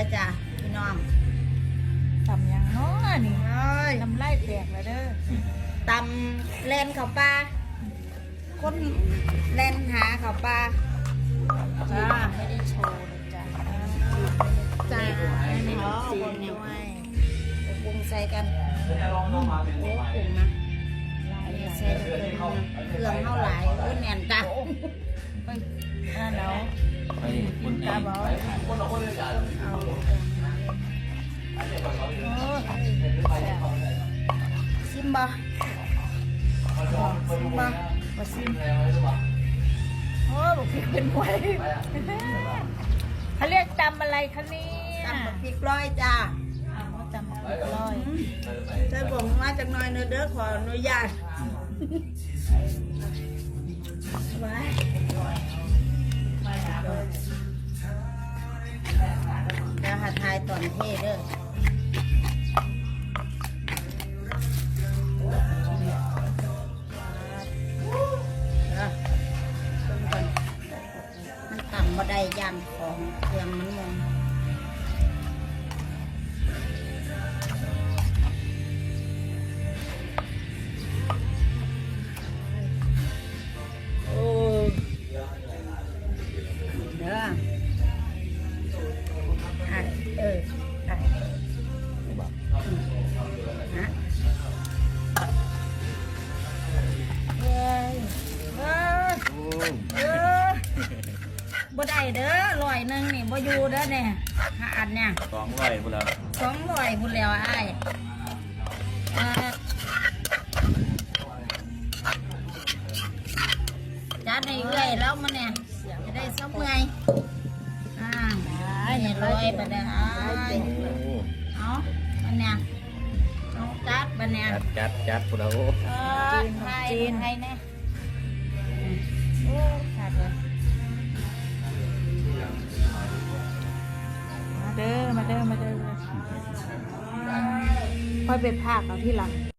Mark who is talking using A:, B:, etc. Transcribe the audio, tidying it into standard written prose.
A: ด้อจ้ะพี่น้อง
B: ตำยังเนาะนี่
A: เอ้ย
B: น้ำลายแตกแล้วเด้อ
A: ตำแลนข้าวปลาคนแลนหาข้าวปลา
B: จ้าไม่ได้โชว์เลยจ้า
A: จ้า
B: ไม่ได้
A: อ๋อ
B: จี
A: คน
B: น
A: เนี่
B: ด้
A: ย
B: วย
A: ปรุงใส่กันโอ้ปรุงนะใส่เครื่องเท่าหลายโอ้แน่นจ้ะ
B: ไปนั่นแล้วกินตาเบาเอา
A: ชิมบ่ชิมบ่
B: มาซิมโอ้บอกพริกเป็นหวยเขาเรียกตำอะไรคะเนี่ย
A: ตำบักพริกร้อยจ้า
B: เขาตำบักพริกร้อย
A: ใส่ผมมาจากหน่อยเนื้อเด้อขออนุญาตไว้เดี๋ยวหาทายตอนเทเด้อมันต่ำบ่ได้ย่างของเครื่องมันมองโอ้เด้ออ่ะอ่ะฮะเฮ้ยบ่ได้เด้อ100นี่บ่อยู่เด้อเนี่ยหาอันเนี่ย
C: 200พุ่นแล้ว
A: 200พุ่นแล้วอ้ายจัดให้เอื้อยแล้วมันเนี่ยจะได้ซับเมื่อยนี่100บัดเนี่ยเอามันเนี่ยเอาจัดบัดเนี่ย
C: จัดพุ่นแล้ว
A: จีนให้แน่โอ้ขาดเลย
B: มาเด้อค่อยไปพากเอาที่หลัง